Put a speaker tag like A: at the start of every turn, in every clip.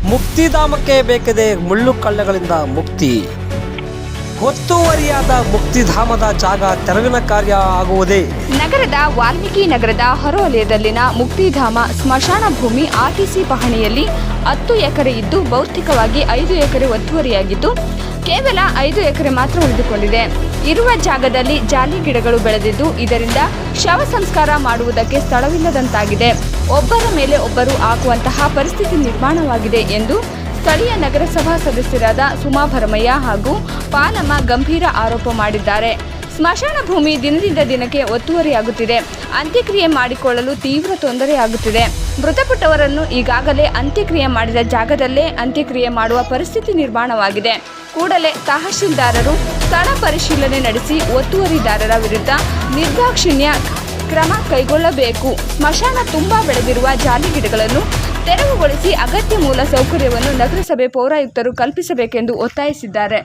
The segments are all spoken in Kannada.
A: ಮುಕ್ತಿಧಾಮಕ್ಕೆ ಬೇಕಿದೆ ಮುಳ್ಳು ಕಳ್ಳಗಳಿಂದ ಮುಕ್ತಿ. ಒತ್ತುವರಿಯಾದ ಮುಕ್ತಿಧಾಮದ ಜಾಗ ತೆರವಿನ ಕಾರ್ಯ ಆಗುವುದೇ.
B: ನಗರದ ವಾಲ್ಮೀಕಿ ನಗರದ ಹೊರವಲಯದಲ್ಲಿನ ಮುಕ್ತಿಧಾಮ ಸ್ಮಶಾನ ಭೂಮಿ ಆರ್ಟಿಸಿ ಪಹಣಿಯಲ್ಲಿ 10 ಎಕರೆ ಇದ್ದು ಭೌತಿಕವಾಗಿ 5 ಎಕರೆ ಒತ್ತುವರಿಯಾಗಿದ್ದು ಕೇವಲ 5 ಎಕರೆ ಮಾತ್ರ ಉಳಿದುಕೊಂಡಿದೆ. ಇರುವ ಜಾಗದಲ್ಲಿ ಜಾಲಿ ಗಿಡಗಳು ಬೆಳೆದಿದ್ದು ಇದರಿಂದ ಶವ ಸಂಸ್ಕಾರ ಮಾಡುವುದಕ್ಕೆ ಸ್ಥಳವಿಲ್ಲದಂತಾಗಿದೆ. ಒಬ್ಬರ ಮೇಲೆ ಒಬ್ಬರು ಹಾಕುವಂತಹ ಪರಿಸ್ಥಿತಿ ನಿರ್ಮಾಣವಾಗಿದೆ ಎಂದು ಸ್ಥಳೀಯ ನಗರಸಭಾ ಸದಸ್ಯರಾದ ಸುಮಾ ಭರಮಯ್ಯ ಹಾಗೂ ಪಾಲಮ್ಮ ಗಂಭೀರ ಆರೋಪ ಮಾಡಿದ್ದಾರೆ. ಸ್ಮಶಾನ ಭೂಮಿ ದಿನದಿಂದ ದಿನಕ್ಕೆ ಒತ್ತುವರಿಯಾಗುತ್ತಿದೆ. ಅಂತ್ಯಕ್ರಿಯೆ ಮಾಡಿಕೊಳ್ಳಲು ತೀವ್ರ ತೊಂದರೆಯಾಗುತ್ತಿದೆ. ಮೃತಪಟ್ಟವರನ್ನು ಈಗಾಗಲೇ ಅಂತ್ಯಕ್ರಿಯೆ ಮಾಡಿದ ಜಾಗದಲ್ಲೇ ಅಂತ್ಯಕ್ರಿಯೆ ಮಾಡುವ ಪರಿಸ್ಥಿತಿ ನಿರ್ಮಾಣವಾಗಿದೆ. ಕೂಡಲೇ ತಹಶೀಲ್ದಾರರು ಸ್ಥಳ ಪರಿಶೀಲನೆ ನಡೆಸಿ ಒತ್ತುವರಿದಾರರ ವಿರುದ್ಧ ನಿರ್ದಾಕ್ಷಿಣ್ಯ ಕ್ರಮ ಕೈಗೊಳ್ಳಬೇಕು. ಸ್ಮಶಾನ ತುಂಬಾ ಬೆಳೆದಿರುವ ಜಾಲಿ ಗಿಡಗಳನ್ನು ತೆರವುಗೊಳಿಸಿ ಅಗತ್ಯ ಮೂಲ ಸೌಕರ್ಯವನ್ನು ನಗರಸಭೆ ಪೌರಾಯುಕ್ತರು ಕಲ್ಪಿಸಬೇಕೆಂದು ಒತ್ತಾಯಿಸಿದ್ದಾರೆ.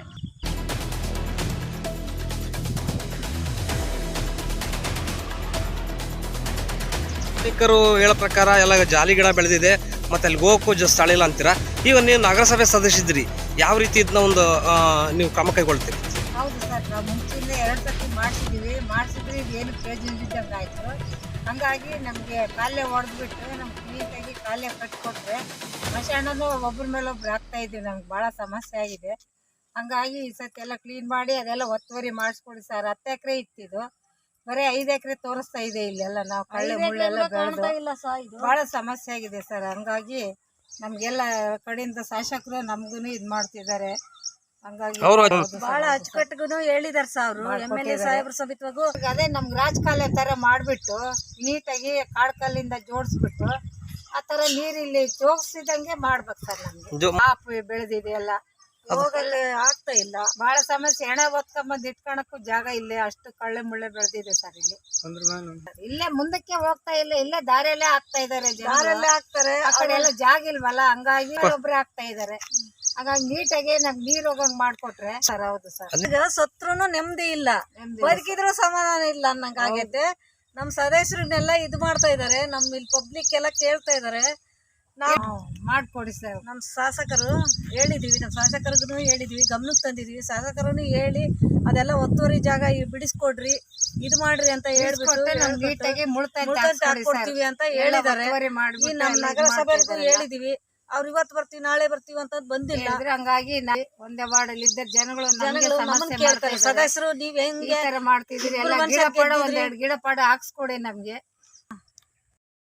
A: ನಾಗರಿಕರು ಹೇಳೋ ಪ್ರಕಾರ ಎಲ್ಲ ಜಾಲಿ ಗಿಡ ಬೆಳೆದಿದೆ ಮತ್ತೆ ಅಲ್ಲಿ ಹೋಗೋಕ್ಕೂ ಸ್ಥಳ ಇಲ್ಲ ಅಂತೀರಾ. ಈಗ ನೀವು ನಗರಸಭೆ ಸದಸ್ಯರಿದ್ದೀರಿ, ಯಾವ ರೀತಿ ಇದನ್ನ ಒಂದು ನೀವು ಕ್ರಮ ಕೈಗೊಳ್ತೀರಿ?
C: ಹೌದು ಸರ್, ನಾವು ಮುಂಚೆಯಿಂದ 2 ಸರ್ತಿ ಮಾಡಿಸಿದ್ರಿ ಏನು ಪ್ರಯೋಜನದಿದ್ದಂಗೆ ಆಯಿತು. ಹಾಗಾಗಿ ನಮಗೆ ಕಾಲೇ ಹೊಡೆದ್ಬಿಟ್ಟು ನಮ್ಗೆ ನೀಟಾಗಿ ಕಾಲೇ ಕಟ್ಟಿಕೊಟ್ರೆ ಸ್ಮಶಾನನೂ ಒಬ್ಬರ ಮೇಲೆ ಒಬ್ರು ಆಗ್ತಾಯಿದ್ದೀವಿ. ನಮ್ಗೆ ಭಾಳ ಸಮಸ್ಯೆ ಆಗಿದೆ. ಹಂಗಾಗಿ ಈ ಸತಿ ಎಲ್ಲ ಕ್ಲೀನ್ ಮಾಡಿ ಅದೆಲ್ಲ ಒತ್ತುವರಿ ಮಾಡಿಸ್ಕೊಡಿ ಸರ್. 10 ಎಕರೆ ಇತ್ತಿದ್ದು ಬರೀ 5 ಎಕರೆ ತೋರಿಸ್ತಾ ಇದೆ. ಇಲ್ಲೆಲ್ಲ ನಾವು ಕಳ್ಳೆ ಮುಳ್ಳೆಲ್ಲ ಬೆಳೆದು ಭಾಳ ಸಮಸ್ಯೆ ಆಗಿದೆ ಸರ್. ಹಂಗಾಗಿ ನಮಗೆಲ್ಲ ಕಡೆಯಿಂದ ಶಾಸಕರು ನಮಗೂ ಇದು ಮಾಡ್ತಿದ್ದಾರೆ. ಹಂಗಾಗಿ
D: ಬಹಳ ಅಚ್ಚುಕಟ್ಟಿಗೂ ಹೇಳಿದಾರೆ ಸರ್ ಅವರು. MLA ಸಾಹೇಬ್ರ ಸಮಿತಿವಾಗೂ
C: ಅದೇ ನಮ್ಗೆ ರಾಜಕಾಲ ತರ ಮಾಡ್ಬಿಟ್ಟು ನೀಟಾಗಿ ಕಾಡ್ಕಲ್ಲಿಂದ ಜೋಡಿಸ್ಬಿಟ್ಟು ಆ ತರ ನೀರಿಲ್ಲಿ ಜೋಗಿಸಿದಂಗೆ ಮಾಡ್ಬೇಕು ಸರ್. ನಮ್ಗೆ ಕಾಪು ಬೆಳೆದಿದೆ ಎಲ್ಲ ಹೋಗಲ್ಲಿ ಆಗ್ತಾ ಇಲ್ಲ. ಬಹಳ ಸಮಸ್ಯೆ. ಹೆಣ ಹೊತ್ಕೊಂಬಂದ್ ಇಟ್ಕೊಳಕ್ಕೂ ಜಾಗ ಇಲ್ಲೇ ಅಷ್ಟು ಕಳ್ಳೆ ಮುಳ್ಳೆ ಬೆಳೆದಿದೆ ಸರ್. ಇಲ್ಲಿ ಇಲ್ಲೇ ಮುಂದಕ್ಕೆ ಹೋಗ್ತಾ ಇಲ್ಲ. ಇಲ್ಲೇ ದಾರಿಯಲ್ಲೇ ಆಗ್ತಾ ಇದಾರೆ. ದಾರಿಯಲ್ಲೇ ಆಗ್ತಾರೆ. ಆ ಕಡೆ ಎಲ್ಲ ಜಾಗ ಇಲ್ವಲ್ಲ, ಹಂಗಾಗಿ ಒಬ್ರೆ ಆಗ್ತಾ ಇದಾರೆ. ಹಾಗಾಗಿ ನೀಟಾಗಿ ನಮ್ಗೆ ನೀರ್ ಹೋಗಂಗ್ ಮಾಡ್ಕೊಟ್ರೆ ಸರ್. ಹೌದು ಸರ್.
D: ಈಗ ಸತ್ರುನು ನೆಮ್ಮದಿ ಇಲ್ಲ, ಬದುಕಿದ್ರು ಸಮಾಧಾನ ಇಲ್ಲ ಅನ್ನಂಗ ಆಗೈತೆ. ನಮ್ ಸದಸ್ಯರನ್ನೆಲ್ಲ ಇದು ಮಾಡ್ತಾ ಇದಾರೆ. ನಮ್ ಇಲ್ಲಿ ಪಬ್ಲಿಕ್ ಎಲ್ಲ ಕೇಳ್ತಾ ಇದಾರೆ. ನಾವು
C: ಮಾಡ್ಕೊಡಿ ಸರ್.
D: ನಮ್ ಶಾಸಕರು ಹೇಳಿದೀವಿ, ನಮ್ ಶಾಸಕರಿಗೂ ಹೇಳಿದೀವಿ, ಗಮನಕ್ಕೆ ತಂದಿದೀವಿ. ಶಾಸಕರನ್ನು ಹೇಳಿ ಅದೆಲ್ಲ ಒತ್ತುವರಿ ಜಾಗ ಬಿಡಿಸ್ಕೊಡ್ರಿ, ಇದು ಮಾಡ್ರಿ ಅಂತ ಹೇಳ್ಬಿಟ್ಟು
C: ನೀಟಾಗಿ
D: ಹಾಕೊಡ್ತೀವಿ ಅಂತ ಹೇಳಿದಾರೆ. ಈ ನಮ್ ನಗರಸಭೆಗೂ ಹೇಳಿದೀವಿ. ಅವ್ರು ಇವತ್ತು ಬರ್ತೀವಿ ನಾಳೆ ಬರ್ತೀವಿ ಅಂತ ಬಂದಿಲ್ಲ.
C: ಹಂಗಾಗಿ ಒಂದೇ ವಾರ್ಡಲ್ಲಿ ಇದ್ದ ಜನಗಳು
D: ನಮ್ಮನ್ನ ಕೇಳ್ತಾರೆ, ಸದಸ್ಯರು ನೀವ್ ಹೆಂಗೆ
C: ಮಾಡ್ತಿದ್ರಿ, ಎಲ್ಲ ಗಿಡ ಪಾಡ ಒಂದೆರಡು ಗಿಡ ಪಾಡ ಹಾಕ್ಸ್ಕೊಡಿ ನಮ್ಗೆ.